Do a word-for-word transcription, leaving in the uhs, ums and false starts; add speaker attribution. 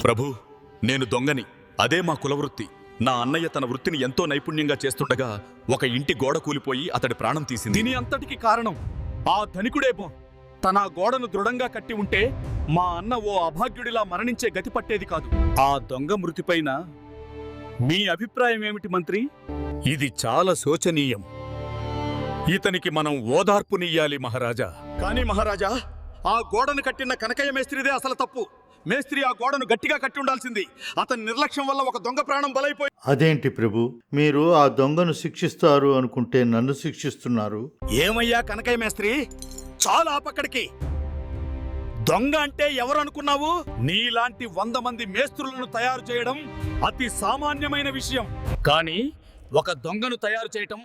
Speaker 1: ప్రభు, నేను దొంగని. అదే మా కులవృత్తి. నా అన్నయ్య తన వృత్తిని ఎంతో నైపుణ్యంగా చేస్తుండగా ఒక ఇంటి గోడ కూలిపోయి అతడి ప్రాణం తీసింది.
Speaker 2: దీని అంతటికి కారణం ఆ ధనికుడేమో. తన గోడను దృఢంగా కట్టి ఉంటే మా అన్న ఓ అభాగ్యుడిలా మరణించే గతి పట్టేది కాదు. ఆ దొంగ మృతిపైన మీ అభిప్రాయం ఏమిటి మంత్రి?
Speaker 1: ఇది చాలా శోచనీయం. ఇతనికి మనం ఓదార్పునియ్యాలి మహారాజా.
Speaker 2: కానీ మహారాజా, ఆ గోడను కట్టిన కనకయ్య మేస్త్రిదే అసలు తప్పు. మేస్త్రి ఆ గోడను గట్టిగా కట్టి ఉండాల్సింది. అతని నిర్లక్ష్యం వల్ల ఒక దొంగ ప్రాణం బలైపోయి.
Speaker 3: అదేంటి ప్రభు, మీరు ఆ దొంగను శిక్షిస్తారు అనుకుంటే నన్ను శిక్షిస్తున్నారు?
Speaker 2: ఏమయ్యా కనకయ్య మేస్త్రి, చాలా ఆపక్కడికి. దొంగ అంటే ఎవరు అనుకున్నావు? నీలాంటి వంద మంది మేస్త్రులను తయారు చేయడం అతి సామాన్యమైన విషయం. కానీ ఒక దొంగను తయారు చేయటం